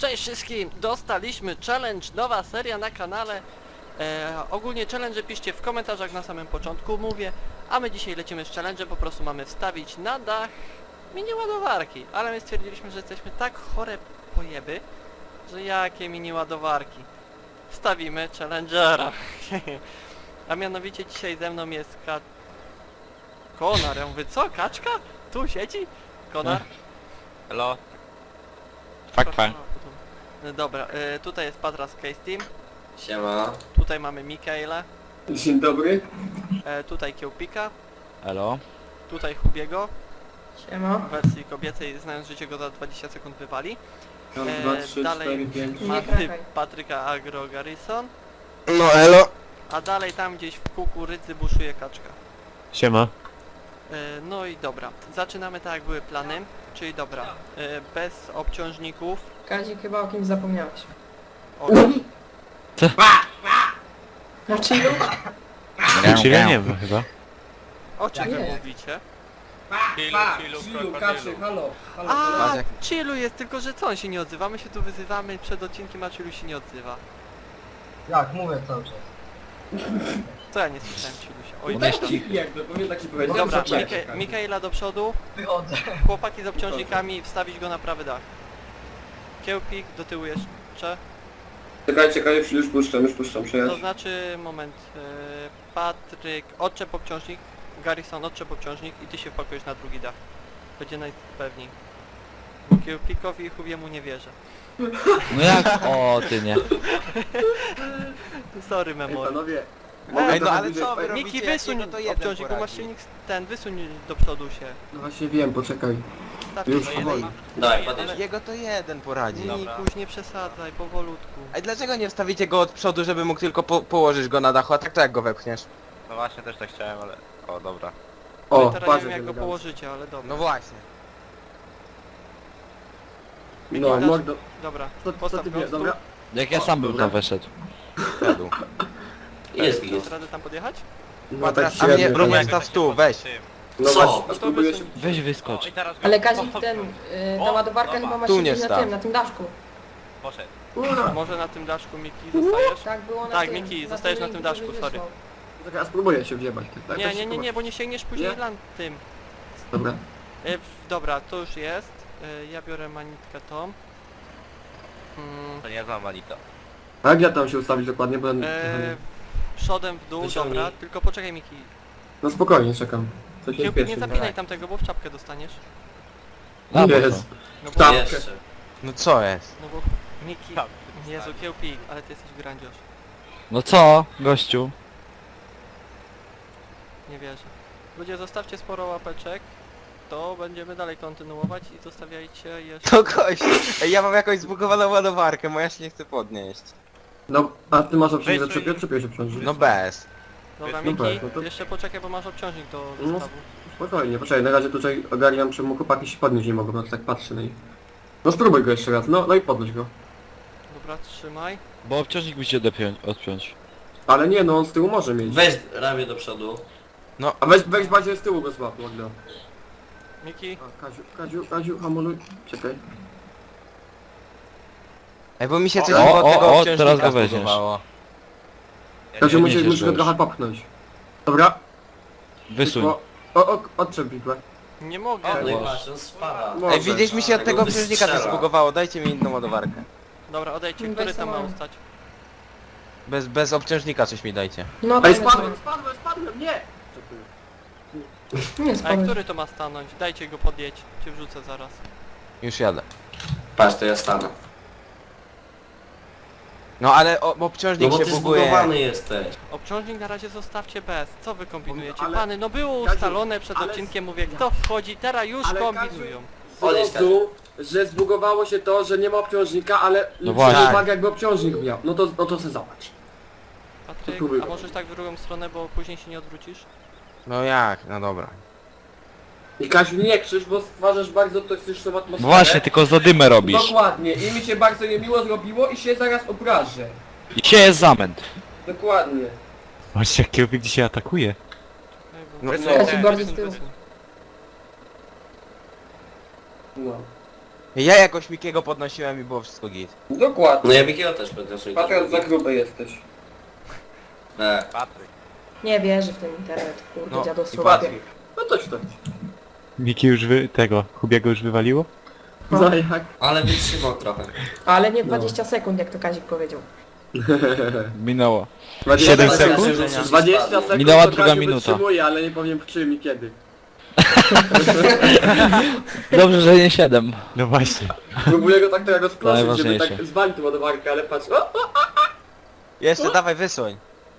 Cześć wszystkim! Dostaliśmy challenge, nowa seria na kanale. Ogólnie challenge piszcie w komentarzach na samym początku, mówię. A my dzisiaj lecimy z challenge, po prostu mamy wstawić na dach mini ładowarki. Ale my stwierdziliśmy, że jesteśmy tak chore pojeby, że jakie mini ładowarki. Wstawimy challengera. A mianowicie dzisiaj ze mną jest Konar. Ja mówię, co? Kaczka? Tu siedzi? Konar? Hello. Fak. No dobra, tutaj jest Patra z Case Team, Siema. tutaj mamy Mikaela, Dzień dobry. tutaj Kiełpika, Elo. tutaj Hubiego, Siema. w wersji kobiecej, znając życie go za 20 sekund wypali. Raz, E, dwa, trzy, dalej- cztery, pięć. Nie Mamy krakaj. Patryka Agro Garrison, No elo. a dalej tam gdzieś w kukurydzy buszuje kaczka. Siema. No i dobra, zaczynamy tak jak były plany, czyli dobra, bez obciążników. Kazik, chyba o kimś zapomniałeś. O, Znaczy już? Czyli ja nie wiem chyba. o czym wy Nie. mówicie? Chillu, Kaczy, halo. A, Chillu jest, tylko że co on się nie odzywa? My się tu wyzywamy przed odcinkiem, a Chillu się nie odzywa. Jak, mówię cały czas. To ja nie słyszałem Chillusia. Oj, Daj dobra. ci jakby, powinien tak ci powiedzieć. Dobra, Czekaj. Mikaela do przodu, Wychodzę. chłopaki z obciążnikami, wstawić go na prawy dach. Kiełpik do tyłu jeszcze, Czekaj, już puszczam, to przejazd. znaczy, moment, Patryk, odczep obciążnik, Garrison, odczep obciążnik i ty się wpakujesz na drugi dach. Będzie najpewniej. Bo Kiełpikowi i Hubiemu nie wierzę. No jak? O, ty nie. Sorry, Ej, memory. panowie. Ej, no trochę ale bliżej- co wy Ej, robicie? Miki, jak wysuń jedno to jeden obciążnik, bo masz poradzi. silnik ten, wysuń do przodu się. No właśnie wiem, poczekaj. Tak, Już to powoli. Daj, Ale- Jego to jeden poradzi. Nikuś, nie przesadzaj, powolutku. A dlaczego nie wstawicie go od przodu, żeby mógł tylko położyć go na dachu, a tak to jak go wepchniesz? No właśnie też tak chciałem, ale... O, dobra. No O, i teraz patrz nie wiem jak go elegancko. położycie, ale dobra. No właśnie. Miki, No, dasz- mordo. Dobra, Co postaw ty go, wiesz, stół. dobra? Jak ja sam bym tam weszedł. Wszedł. Jest Dasz radę tam podjechać? No A tak a mnie średnio. próbuję staw tu, weź. No Co? właśnie, No to spróbuję się... wysuń. Weź wyskocz. I teraz go... Ale Kazik, ten, ta O, ładowarka dobra. chyba ma Tu nie siedzieć na staw. tym, na tym daszku. Poszedł. Może na tym daszku Miki zostajesz? Tak było na Tak, tym. Miki, na zostajesz tym na tym linku, daszku, co sorry. wysłał. Czekaj, ja spróbuję się wjebać. Tak, Nie, tak nie, się nie, nie, bo nie sięgniesz później Nie? tym. Dobra. Dobra, to już jest. Ja biorę manitkę tą. To nie znam Manito. A jak ja tam się ustawić dokładnie, bo... Przodem w dół, Wyciągnij. dobra, tylko poczekaj Miki. No spokojnie, czekam. Coś nie Kiełpik, nie spieszy. zapinaj tamtego, bo w czapkę dostaniesz. No bo Jest. co? No bo, Tak. Jeszcze. No co jest? no bo Miki, Tak, Jezu, Kiełpik, ale ty jesteś grandziarz. No co, gościu? Nie wierzę. Ludzie, zostawcie sporo łapeczek, to będziemy dalej kontynuować i zostawiajcie jeszcze... To gość! Ej, ja mam jakąś zbugowaną ładowarkę, moja się nie chce podnieść. No, a ty masz obciążnik, Wysuń. zaczepię się obciążnik. No bez. Dobra, No Miki, tak, no to- jeszcze poczekaj, bo masz obciążnik do No. zestawu. Spokojnie, poczekaj, na razie tutaj ogarniam, czemu chłopaki się podnieść nie mogą, no to tak patrzę, no i... No spróbuj go jeszcze raz, no i podnoś go. Dobra, trzymaj. Bo obciążnik musi odpiąć. Ale nie, no on z tyłu może mieć. Weź ramię do przodu. A weź bardziej z tyłu go złap, Magda. Miki, A, Kaziu, hamuluj. Czekaj. Ej, bo mi się coś O, od tego o, obciążnika teraz go weźmiesz. zbugowało. Ja Kaziu, nie- musisz go już. trochę popchnąć. Dobra. Wysuń. Odczep widłę. nie mogę. O, no i masz, on spala. Może. Ej, widzisz, mi się od Tego tego obciążnika coś wystrzela. zbugowało, dajcie mi inną ładowarkę. Dobra, odejdźcie, Weź który tam ma samolot. ustać? Bez obciążnika coś mi dajcie. No Ej, tak, spadłem, nie! Nie A spadłeś. który to ma stanąć? Dajcie go podjedź, cię wrzucę zaraz. Już jadę. Patrz, to ja stanę. No ale No obciążnik bo się ty buguje. zbugowany jesteś. Obciążnik na razie zostawcie bez. Co wy kombinujecie? Ale- Pany, no było Kaziu, ustalone przed ale- odcinkiem, mówię, kto wchodzi, teraz już Ale kombinują. Zrozuł, że zbugowało się to, że nie ma obciążnika, ale No właśnie. zwróć uwagę jakby obciążnik miał. No to se zobacz. Patryk, próbuj. a możesz tak w drugą stronę, bo później się nie odwrócisz? No jak? No dobra. I Kaziu, nie krzyż, bo stwarzasz bardzo toksyczną atmosferę. Właśnie, tylko zadymę robisz. Dokładnie, i mi się bardzo niemiło zrobiło i się zaraz obrażę. I się jest zamęt. Dokładnie. Patrzcie, jak Kiełpik dzisiaj atakuje. Kazik bardziej z tyłu. No. Ja jakoś Mikiego podnosiłem i było wszystko git. Dokładnie. No ja Mikiego też podniosłem. Patryk, za gruby jesteś. Patryk. Nie wierzę w ten internet, kurde, No i dziadostwo. Patryk. No toć to. Miki już tego, Hubiego już wywaliło? No jak? Ale wytrzymał trochę. Ale nie 20 sekund, jak to Kazik powiedział. Minęło. 20 7 sekund. sekund? 20 sekund Minęła to druga Kaziu minuta. wytrzymuje, ale nie powiem w czym i kiedy. Dobrze, że nie 7. No właśnie. Próbuję go tak teraz rozproszyć, żeby Najważniejsze. tak zwalić tą ładowarkę, ale patrz. O! Jeszcze dawaj wysuń.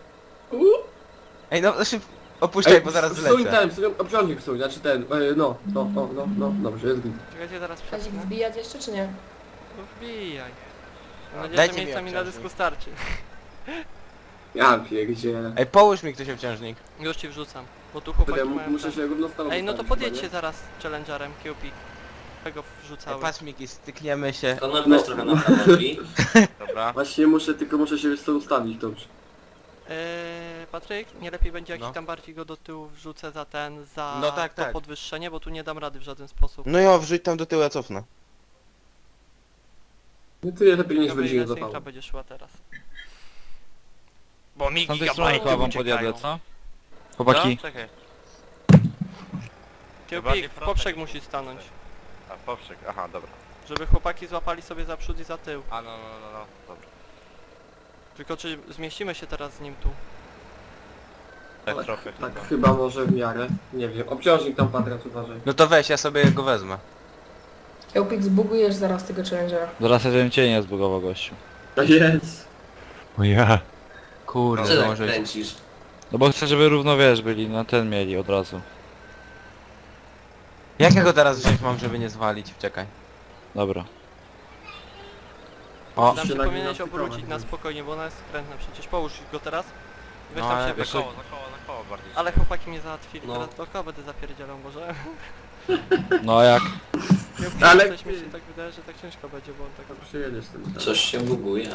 Ej no opuszczaj, bo zaraz Wsuń zlecę. ten, wsuń obciążnik wsuń, znaczy ten, no, dobrze, jest git. Czekajcie, zaraz Kazik przesunę. wbijać jeszcze, czy nie? No wbijaj. Mam nadzieję, Dajcie że mi miejsca mi na obciążnik. dysku starczy. Ja pierdzielę. Ej, połóż mi ktoś obciążnik. Już ci wrzucam, bo tu chłopaki Ja mają muszę ten. się równostawić. Ej, no to podjedźcie zaraz challengerem Cupid. Tego Ej, wrzucały. patrz Miki, stykniemy się. Konor weź trochę na prawo drzwi. Dobra. Właśnie muszę się jeszcze ustawić dobrze. Patryk, nie lepiej będzie jak No. ci tam bardziej go do tyłu wrzucę za No tak, to tak. podwyższenie, bo tu nie dam rady w żaden sposób. No ja wrzuć tam do tyłu, ja cofnę. Nie tyle lepiej niż Ciekawe, będzie ile nie synchra zapało. będzie szła teraz. Bo mi z tej strony chyba wam podjadę, co? Chłopaki. Czekaj. Cupid, w poprzek musi stanąć, A poprzek, aha, dobra. żeby chłopaki złapali sobie za przód i za tył. A no, dobra. Tylko czy zmieścimy się teraz z nim tu? Tak trochę Tak chyba. chyba może w miarę. Nie wiem. Obciążnik tam Patras uważaj. No to weź, ja sobie go wezmę. Eupik, zbugujesz zaraz tego challengera. Zaraz jeden cię nie zbugował, gościu. Jest. O ja. Co Kurde, tak może... kręcisz? No bo chcę, żeby równo wiesz byli, na ten mieli od razu. Jak ja go teraz wziąć mam, żeby nie zwalić? Czekaj. Dobra. O, Tam się nagle powinieneś na obrócić stykować. na spokojnie, bo ona jest skrętna przecież. Połóż go teraz. Weź No, tam ale się wiesz, Za wyszło. koło bardziej. Ale chłopaki mnie załatwili, No. teraz dookoła będę zapierdzielał może. No a jak? Ale- Coś mi się tak wydaje, że tak ciężko będzie, bo on tak... Dobrze jedziesz tym. Coś się buguje.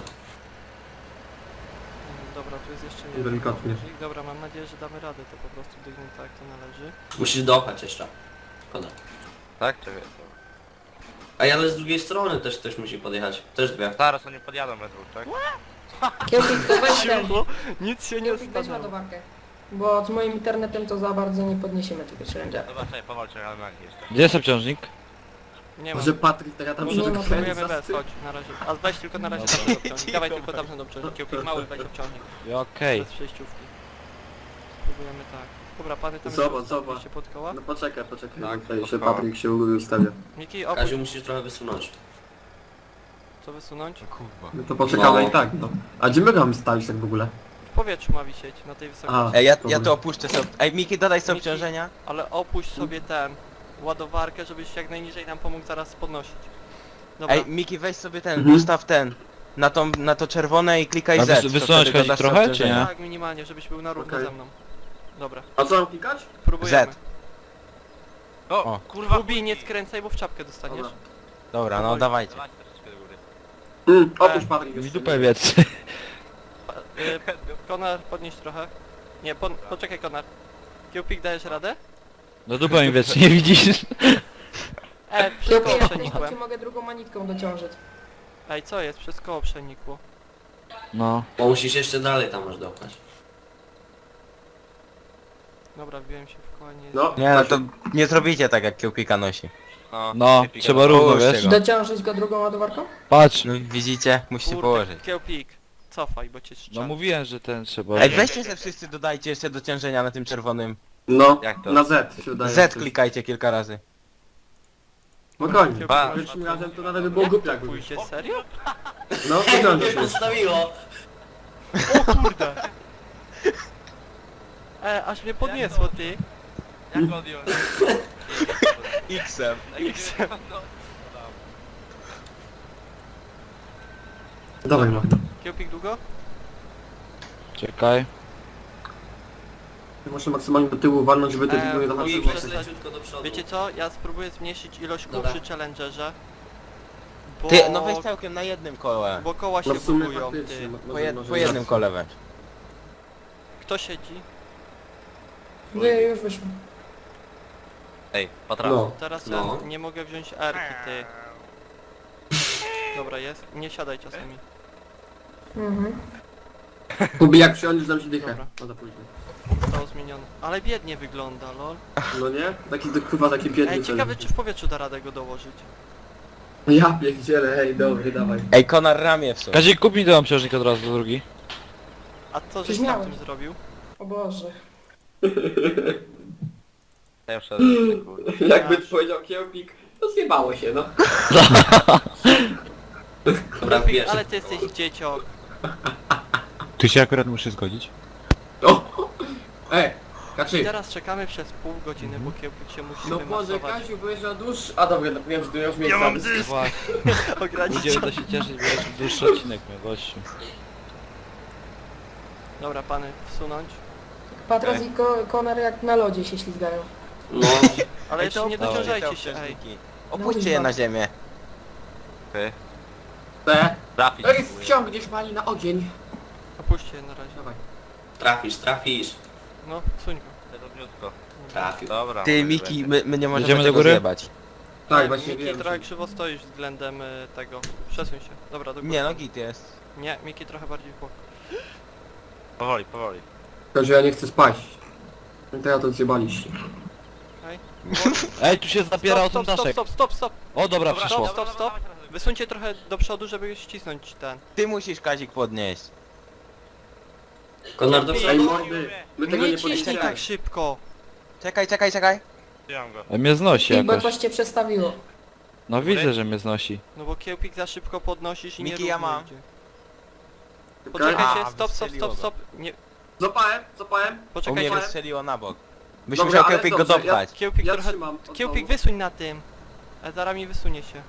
Dobra, tu jest jeszcze jeden Delikatnie. guzik. Dobra, mam nadzieję, że damy radę to po prostu dygnąć tak jak to należy. Musisz dopchać jeszcze. Szkoda. Tak? Czekaj. Ej, ale z drugiej strony też ktoś musi podjechać. Też dwie. Zaraz oni podjadą metru, tak? Eupik, to weź ten. Nic się nie Eupik, weź stanęło. ładowarkę. Bo z moim internetem to za bardzo nie podniesiemy tego challengera. Dobra, czekaj, powalczę, ale na nich jeszcze. Gdzie jest obciążnik? Nie ma. Może Patryk teraz tam Może nie się ma, spróbujemy bez, zastyk. chodź na razie. A weź tylko na razie Dobra. tamten obciążnik. Dawaj tylko tamten obciążnik. Kiełpik mały, weź obciążnik. Okej. Bez przejściówki. Spróbujemy tak. Dobra, pany tam Zobacz, jeszcze zobacz. ustawiliście pod koła. No poczekaj, Tak, bo tutaj jeszcze spoko. Patryk się ustawia. Miki, opuść. Kaziu musisz trochę wysunąć. Co wysunąć? Kurwa. No to poczekamy No. i tak, no. A gdzie my mamy stać tak w ogóle? W powietrzu ma wisieć, na tej wysokości. A. Ej, ja Dobra. to opuszczę sobie. Ej, Miki, dodaj sobie Miki. obciążenia. Ale opuść sobie tę ładowarkę, żebyś jak najniżej nam pomógł zaraz podnosić. Dobra. Ej, Miki, weź sobie ten, Mhm. ustaw ten. Na to czerwone i klikaj A Z. to wysunąć wtedy chodzi dodasz trochę, obciążenia. czy nie? Tak, minimalnie, żebyś był na równo Okej. ze mną. Dobra, A co mam klikać? próbujemy. Z. O, O. kurwa! Lubi, nie skręcaj, bo w czapkę dostaniesz. Dobra. Dobra, no dawajcie. Dawaj troszeczkę do góry. Opuść Patryk Mi jeszcze. dupę wiedz. Konar, podnieś trochę. Nie, poczekaj Konar. Kiełpik, dajesz radę? No dupę mi wiedz, nie widzisz? Przez Eupik, koło jak chcesz, to przenikłem. ci mogę drugą manitką dociążyć. Ej, co jest? Przez koło przenikło. No. Bo musisz jeszcze dalej tam masz dopchać. Dobra, wbiłem się w koło, nie... No. Nie, no to nie zrobicie tak jak kiełpika nosi. No, nie pika trzeba na- równo, Połóżcie wiesz? go. Dociążyć go drugą ładowarką? Patrz. No widzicie, musicie położyć. Kiełpik, cofaj, bo cię No strzela. mówiłem, że ten trzeba... Ej, weźcie se wszyscy, dodajcie jeszcze do ciężenia na tym czerwonym. No, Jak to? na Z się wydaje. Z klikajcie kilka razy. Spokojnie. Ba. Pierwszym razem to nawet by było głupie jakby. Pójdzie, serio? No, Mnie wyciągnij się. postawiło! O kurde! Aż mnie podniosło, ty. Jak odjąć? X-em. Dawaj, no. Kiełpik długo? Czekaj. Muszę maksymalnie do tyłu walnąć, żeby te tylko nie Eee, zahaczyły. I Muszę przez stać- leciutko do przodu. Wiecie co? Ja spróbuję zmniejszyć ilość kół Dobra. przy challengerze. Bo... Ty, no weź całkiem na jednym kole. Bo koła się No w sumie bugują, faktycznie. ty. Po jednym kole weź. Kto siedzi? Już wyszło. Ej, patrz. No. Teraz No. ja nie mogę wziąć R-ki, ty. Dobra, jest. Nie siadaj czasami. Mhm. Kubi, jak przyjądziesz, dam ci dychę. Dobra. No to później. Zostało zmienione. Ale biednie wygląda, lol. No nie? Taki kurwa, taki biedny Ej, cel. ciekawe czy w powietrzu da radę go dołożyć. Ja pierdzielę, hej, dobry, dawaj. Ej, Konar ramię w sobie. Kazik, kup mi ten obciążnik od razu do drugi. A co żeś Coś tam miałem. tym zrobił? O Boże. Ja wszedłem, kurde. Jakby powiedział Kiełpik, to zjebało się, no. Dobra, wiesz. Ale ty jesteś dzieciok. Tu się akurat muszę zgodzić. O! Ej, I Kaczy. teraz czekamy przez pół godziny, bo kiełpik się musi No Boże, wymasować. Kasiu, byłeś na dłuższy... A dobra, no wiem, że tu już miejsce. Ja mam dysk! Właśnie, Ograniczony. będziemy to się cieszyć, bo jeszcze dłuższy odcinek miał, gościu. Dobra, pany, wsunąć. Patras i Konar jak na lodzie się ślizgają. No, Ale jeszcze nie dawaj, dociążajcie się, ej. Opuśćcie je na ziemię. Ty. Te. Trafić Ej, próbuję. wciągniesz mali na ogień. Opuśćcie je na razie. Dawaj. trafisz. No, wsuń go. Drobniutko. Trafił. Dobra. Ty, może Miki, będzie. my nie możemy Idziemy do tego góry? zjebać. Tak, właśnie Miki, wiem. trochę że- krzywo stoisz względem tego. Przesuń się. Dobra, do góry. Nie no, git jest. Nie, Miki trochę bardziej w bok. Powoli, powoli. Tylko, że ja nie chcę spaść. No to ja to zjebaliście. Ej, tu się zapierał ten Stop, stop, daszek. stop, stop, stop. O, dobra, Dobra, przyszło. Stop, stop. Wysuńcie trochę do przodu, żeby ścisnąć ten. Ty musisz Kazik podnieść. Konar do Ej, przodu. mordy, my tego Nie nie ciśnij podniesiemy. tak szybko. Czekaj. Wziąłem go. Mnie znosi I bo jakoś. coś cię przestawiło. No widzę, że mnie znosi. No bo kiełpik za szybko podnosisz i nie Miki, ja równo mam. idzie. Czekaj. Poczekajcie, A, stop, wystrzeliło go. stop. Nie, Złapałem. U mnie poczekajcie. wystrzeliło na bok. Byś Dobra, musiał ale Kiełpik go dobrze, dopchać. Kiełpik Ja trochę... trzymam. od Kiełpik dołu. wysuń na tym. A zaraz mi wysunie się.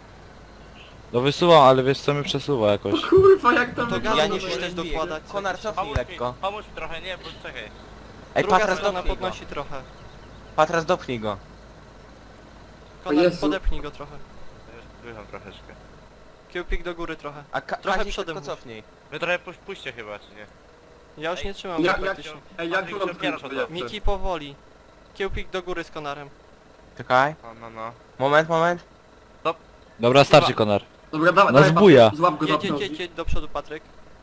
No wysuwam, ale wiesz co mnie przesuwa jakoś. Kurwa, jak tam To wygląda. gazu nie musisz też wiem, dokładać. Konar, cofnij lekko. Pomóż mi trochę, nie, bo czekaj. Ej, Druga Patras strona dopchnij go. podnosi trochę. Patras dopchnij go. Konar, Jezu. podepnij go trochę. Wycham troszeczkę. Kiełpik do góry trochę. A Trochę Kazik przodem tylko mów. cofnij. Wy trochę puśćcie chyba, czy nie? Ja już Ej, nie trzymam Ja, go jak, praktycznie. ej, jak Patryk, tu mam przebierasz skrót od lepszy? Miki powoli. Kiełpik do góry z Konarem. Czekaj. No. Moment. Dobra, starczy Konar. Dobra, dawaj, Nas dawaj, buja. Patryk, Złap go, złap go. Jedź do przodu, Patryk.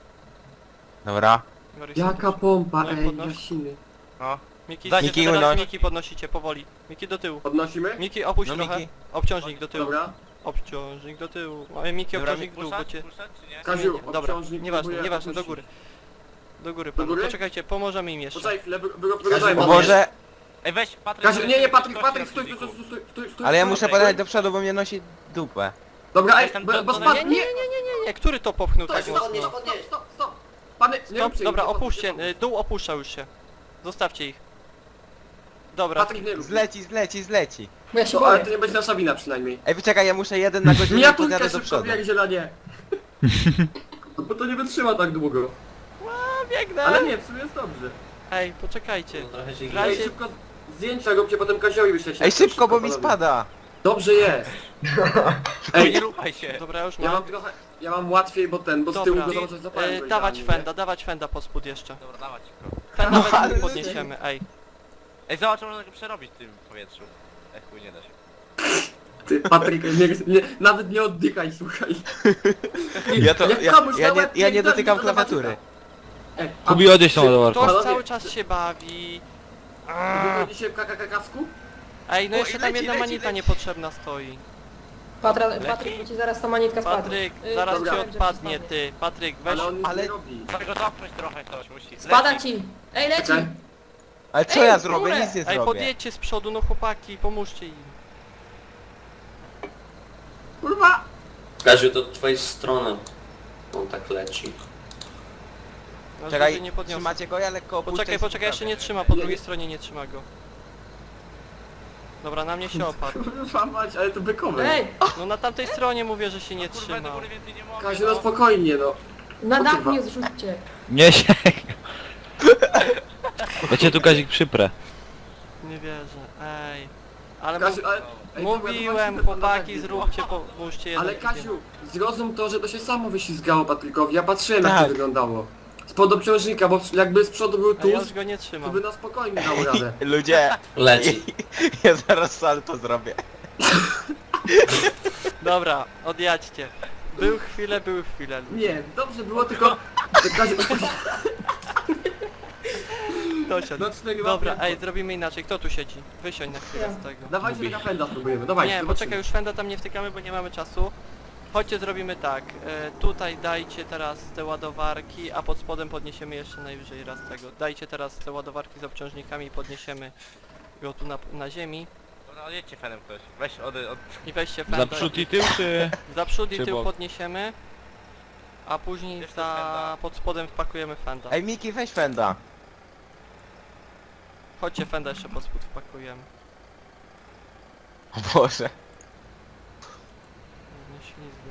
Dobra. Borys, Jaka pompa, No i ej, podnoś. jasiny. No. Miki, Dajcie Miki, teraz unoś. Miki podnosicie powoli. Miki do tyłu. Podnosimy? Miki opuść No, trochę. Miki. Obciążnik do tyłu. Dobra. Obciążnik do tyłu. A Miki Dobra, obciążnik w dół, bo cię... Puszczać, czy nie? Kaziu, Dobra, obciążnik nieważne, próbuję nieważne, do opuścić. góry. Do góry, Do panu. góry? Poczekajcie, pomożemy im jeszcze. Poczekaj chwilę, było Kaziu, wyglądaj. bo- Boże, Ej, weź, Patryk. Kaziu, nie, Patryk, Kości Patryk, stój, na stój, silniku. stój. ale ja stój, muszę stój. podać do przodu, bo mnie nosi dupę. Dobra, ej, Jestem bo do- spadł, Nie, nie, nie, który to popchnął Stop, tak stop, mocno? stop. Pany, nie Stop, róbcie dobra, ich, nie opuśćcie, podnoś. dół opuszcza już się. Zostawcie ich. Dobra, Patryk, nie rób. Zleci. Bo ja się No, ale boję. to nie będzie nasza wina przynajmniej. Ej, poczekaj, ja muszę jeden na godzinę i Miniaturkę podjadę do szybko przodu. pierdziela, nie. No bo to nie wytrzyma tak długo. biegnę! Ale nie, w sumie jest dobrze. Ej, poczekajcie. No, trochę się W Ej, razie... szybko zdjęcia róbcie, potem Kaziowi wyślecie. Ej, szybko, bo mi panowie. spada. Dobrze jest. Ej, Ej, nie ruchaj się. Dobra, już ja mam. mam trochę, ja mam łatwiej, bo z tyłu Dobra. go zobaczyć zapałem. go Dawać idealnie, nie? dawać fenda po spód jeszcze. Dobra, dawać go. Fenda ale- no, podniesiemy, ej. Ej, zobacz, można go przerobić w tym powietrzu. Ej, chuj, nie da się. Ty, Patryk, nawet nie oddychaj, słuchaj. Ja to, Jak ja, komuś ja, na nie, łeb ja nie pierdolę, dotykam to zobaczy klawiatury. Ej, Kubi, odejść tą ty- ładowarką. Ktoś Panowie, cały czas się bawi. Wy byliście w kasku? Ej, no O, jeszcze i tam leci, jedna leci, manita leci. niepotrzebna stoi. Patryk, bo ci zaraz ta manitka spadnie. Patryk, Y, zaraz dobra. ci wiem, że odpadnie, spadnie. ty. Patryk, weź... Ale on nic ale- nie robi. Trzeba go dopchnąć trochę, ktoś musi. Spada Leci. ci! Ej, leci! Czekaj. Ale co Ej, ja w zrobię? górę. Nic nie Ej, zrobię. podjedźcie z przodu, no chłopaki, pomóżcie im. Kurwa! Kaziu, to od twojej strony. On tak leci. No, Czekaj, żeby nie podniosę. trzymacie go, ja lekko opuszczę Poczekaj, i jeszcze nie sprawię. trzyma, po Nie, drugiej nie. stronie nie trzyma go. Dobra, na mnie się opadł. Kurwa mać, ale to bykowe. Ej! No na tamtej stronie mówię, że się nie Kurwa, do trzymał. góry więcej nie mogę. Kaziu, no spokojnie, no. Na O, dach kurwa. mnie zrzućcie. Nie się. Ja cię tu Kazik przyprę. Nie wierzę, ej. Ale Kasiu, ale... Ej, dobra, mówiłem, zobaczmy, chłopaki, panowie. zróbcie, pomóżcie jeden. Ale Kasiu, zrozum to, że to się samo wyślizgało Patrykowi. Ja patrzyłem jak Tak. to wyglądało. Spod obciążnika, bo jakby z przodu był A ja tuz, już go nie to trzymam. by na spokojnie dał radę. Ludzie, Leci. ja zaraz salto zrobię. Dobra, odjadźcie. Był chwilę, były chwilę. Nie, dobrze było, tylko... w razie- Dosiadł. No, 4 Dobra, łapy. ej, zrobimy inaczej. Kto tu siedzi? Wysiądź na chwilę z tego. Dawajcie na fenda spróbujemy, dawajcie. Nie, zobaczymy. poczekaj, już fenda tam nie wtykamy, bo nie mamy czasu. Chodźcie, zrobimy tak. Tutaj dajcie teraz te ładowarki, a pod spodem podniesiemy jeszcze najwyżej raz tego. Dajcie teraz te ładowarki z obciążnikami i podniesiemy go tu na ziemi. Dobra, odjedźcie fenem ktoś. Weź I weźcie fenda. Za przód i tył, czy... Za przód i czy tył bok? podniesiemy. A później Jeszcze za fenda. pod spodem wpakujemy fenda. Ej, Miki, weź fenda. Chodźcie, fenda jeszcze pod spód wpakujemy. O Boże. Nie ślizgły.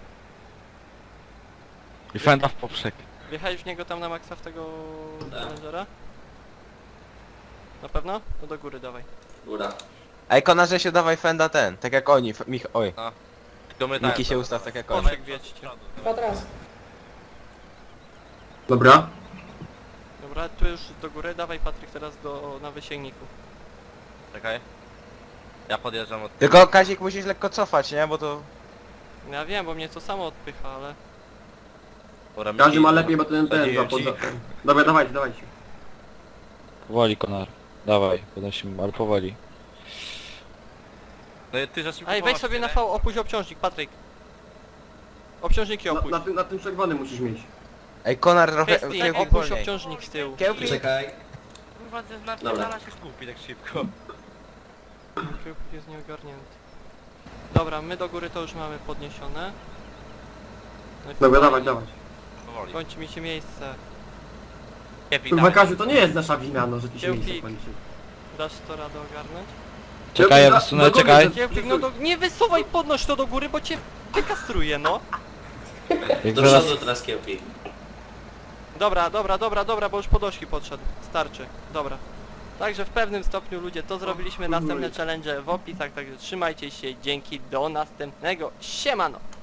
I fenda w poprzek. Wjechałeś w niego tam na maksa w tego Tak. Challengera? Na pewno? No do góry dawaj. Góra. Ej, Konarze się dawaj fenda ten, tak jak oni. Oj. Tylko my tak. Miki się ustaw tak jak oni. Poprzek wiedźcie. Patras. Dobra. Dobra, tu już do góry, dawaj Patryk teraz na wysięgniku. Czekaj. Ja podjeżdżam od... Tylko Kazik musisz lekko cofać, nie? Bo to... Ja wiem, bo mnie to samo odpycha, ale... Dobra, Każdy ma Miki, lepiej, bo ten zadziwię za ci. Dobra, dawajcie, dawajcie. Powoli, Konar. Dawaj, podnosimy, ale powoli. No i ty za szybko Ej, weź sobie na V, opuść obciążnik, Patryk. Obciążniki opuść. Na tym czerwonym musisz mieć. Ej, Konar trochę... Kwestii, Kiełpik opuść wolniej. obciążnik z tyłu. Kiełpik? Czekaj. Kurwa, ten Dobra. napierdala się skupi tak szybko. Kiełpik jest nieogarnięty. Dobra, my do góry to już mamy podniesione. No i Dobra, fajnie. dawać. Powoli. Kończy mi się miejsce. Kiepi, Kurwa, dawaj. Kaziu, to nie jest nasza wina, no, że ci się Kiełpik. miejsce kończy. Dasz to radę ogarnąć? Czekaj, ja do wysunę, góry, czekaj. Kiełpik, no nie wysuwaj, podnoś to do góry, bo cię wykastruje, no. Jak Do zaraz... przodu teraz kiełki. Dobra, bo już podoszki podszedł. Starczy. Dobra. Także w pewnym stopniu ludzie to zrobiliśmy. Następne challenge w opisach, także trzymajcie się. Dzięki, do następnego. Siemano!